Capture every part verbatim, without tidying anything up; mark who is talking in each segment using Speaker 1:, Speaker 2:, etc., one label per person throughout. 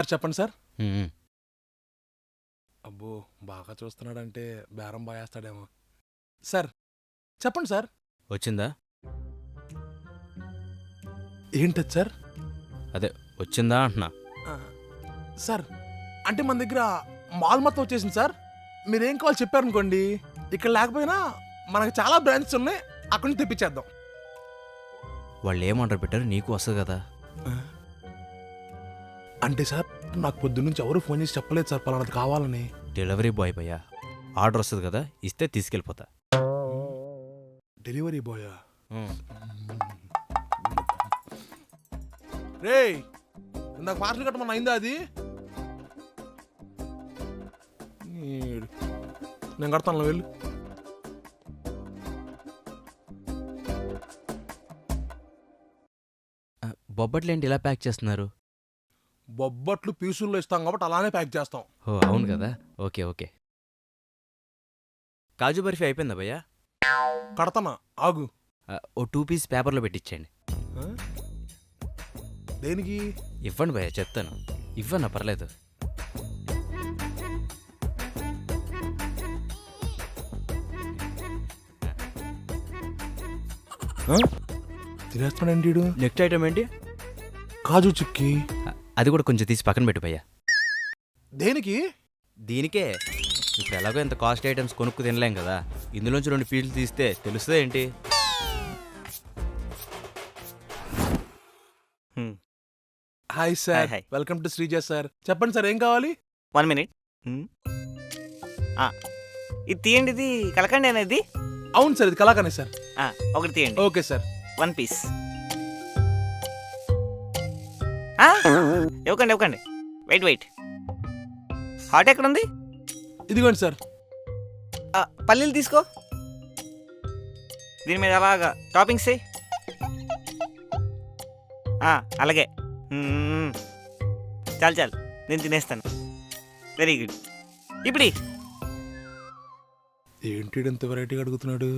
Speaker 1: చెప్పండి సార్.
Speaker 2: మ్మ్.
Speaker 1: అబ్బో బాగా చూస్తున్నాడంటే బేరం బాగేస్తాడేమో. సార్ చెప్పండి సార్.
Speaker 2: వచ్చిందా?
Speaker 1: ఏంటది సార్?
Speaker 2: అదే వచ్చిందా అంటున్నా.
Speaker 1: ఆ, సార్ అంటే మన దగ్గర మాల్ మొత్తం వచ్చేసింది సార్. మీరేం కావాలి చెప్పారనుకోండి, ఇక్కడ లేకపోయినా మనకు చాలా బ్రాంచెస్ ఉన్నాయి, అక్కడి నుంచి తెప్పించేద్దాం.
Speaker 2: వాళ్ళు ఏం ఆర్డర్ పెట్టారు నీకు వస్తుంది కదా.
Speaker 1: ఆ, అంటే సార్ నాకు పొద్దు నుంచి ఎవరు ఫోన్ చేసి చెప్పలేదు సార్ పలానాది కావాలని.
Speaker 2: డెలివరీ బాయ్ భయ్యా, ఆర్డర్ వస్తుంది కదా, ఇస్తే తీసుకెళ్ళిపోతా.
Speaker 1: డెలివరీ బాయా?
Speaker 2: మ్మ్.
Speaker 1: రే ఇందాక పార్సల్ కట్టమని అయిందా అది? ఈడు. నేను కడతాను వెళ్ళు.
Speaker 2: ఆ, బొబ్బట్లు ఏంటి ఇలా ప్యాక్ చేస్తున్నారు?
Speaker 1: బొబ్బట్లు పీసుల్లో ఇస్తాం కాబట్టి అలానే ప్యాక్ చేస్తాం.
Speaker 2: ఓ అవును కదా, ఓకే ఓకే. కాజు బర్ఫీ అయిపోయిందా భయ్యా?
Speaker 1: కడతానా ఆగు.
Speaker 2: ఆ, ఓ టూ పీస్ పేపర్లో పెట్టించండి.
Speaker 1: ఆ? దేనికి?
Speaker 2: ఇవ్వండి భయ్యా, చెప్తాను. ఇవ్వన్నా పర్లేదు.
Speaker 1: తినేస్తున్నాడండి వీడు.
Speaker 2: నెక్స్ట్ ఐటమ్ ఏంటి?
Speaker 1: కాజు చిక్కీ.
Speaker 2: ఆ, అది కూడా కొంచెం తీసి పక్కన పెట్టు భయ్యా.
Speaker 1: దేనికి?
Speaker 2: దీనికే. ఇప్పుడు ఎలాగో ఇంత కాస్ట్ ఐటమ్స్ కొనుక్కు తినలేం కదా, ఇందులోంచి రెండు పీసులు తీస్తే తెలుస్తుంది ఏంటి.
Speaker 1: Hi sir,
Speaker 3: hi.
Speaker 1: Welcome to Sreeja sir. చెప్పండి సార్ ఏం కావాలి?
Speaker 3: One minute. ఇది తీయండి, ఇది కలకండి అనేది.
Speaker 1: అవును సార్, ఇది కలాకనే సార్.
Speaker 3: ఆ, ఒకటి తీయండి.
Speaker 1: Okay sir.
Speaker 3: One piece. ఇవ్వకండి ఇవ్వకండి. Wait wait. హాట్ ఎక్కడ ఉంది?
Speaker 1: ఇదిగోండి సార్.
Speaker 3: ఆ, పల్లీలు తీసుకో. దీని మీద అలాగా టాపింగ్స్ వేయి. ఆ, అలాగే. మ్మ్. చాలు చాలు, నేను తినేస్తాను. Very good. ఇప్పుడు
Speaker 1: ఏంటి ఇంత వెరైటీగా అడుగుతున్నాడు?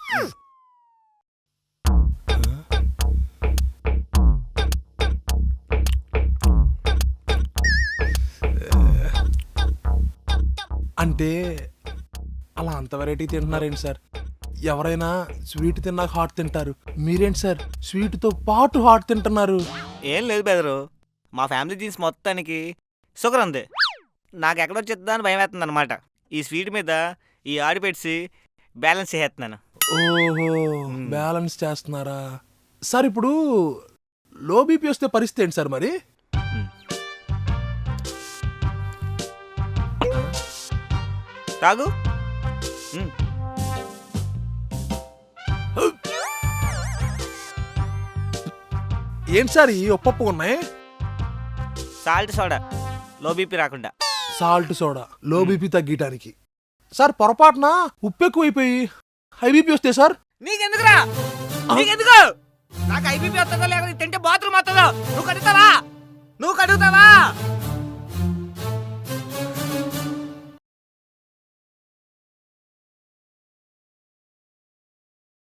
Speaker 1: అంటే అలా అంత వెరైటీ తింటున్నారేంటి సార్? ఎవరైనా స్వీట్ తిన్నాక హాట్ తింటారు, మీరేంటి సార్ స్వీట్తో పాటు హాట్ తింటున్నారు?
Speaker 3: ఏం లేదు బెదరు, మా ఫ్యామిలీ జీన్స్ మొత్తానికి షుగర్ ఉంది. నాకు ఎక్కడో చెప్తా అని భయం వేస్తుంది అనమాట. ఈ స్వీట్ మీద ఈ ఆడి పెట్టి బ్యాలెన్స్ చేసేస్తున్నాను.
Speaker 1: ఓహో, బ్యాలెన్స్ చేస్తున్నారా సార్? ఇప్పుడు లో బీపీ వస్తే పరిస్థితి ఏంటి సార్ మరి?
Speaker 3: తాగు.
Speaker 1: ఏంటి సార్ ఈ ఒప్పప్పు ఉన్నాయి?
Speaker 3: సాల్ట్ సోడా, లో బీపీ రాకుండా.
Speaker 1: సాల్ట్ సోడా లో బీపీ తగ్గటానికి. సార్ పొరపాటున ఉప్పు ఎక్కువైపోయి హై బీపీ వస్తే సార్?
Speaker 3: నీకెందుకురా? నీకెందుకు? నాకు ఐబీపీ వస్తుందో లేకపోతే తింటే బాత్రూమ్ వస్తుందో నువ్వు కడుగుతావా? నువ్వు కడుగుతావా?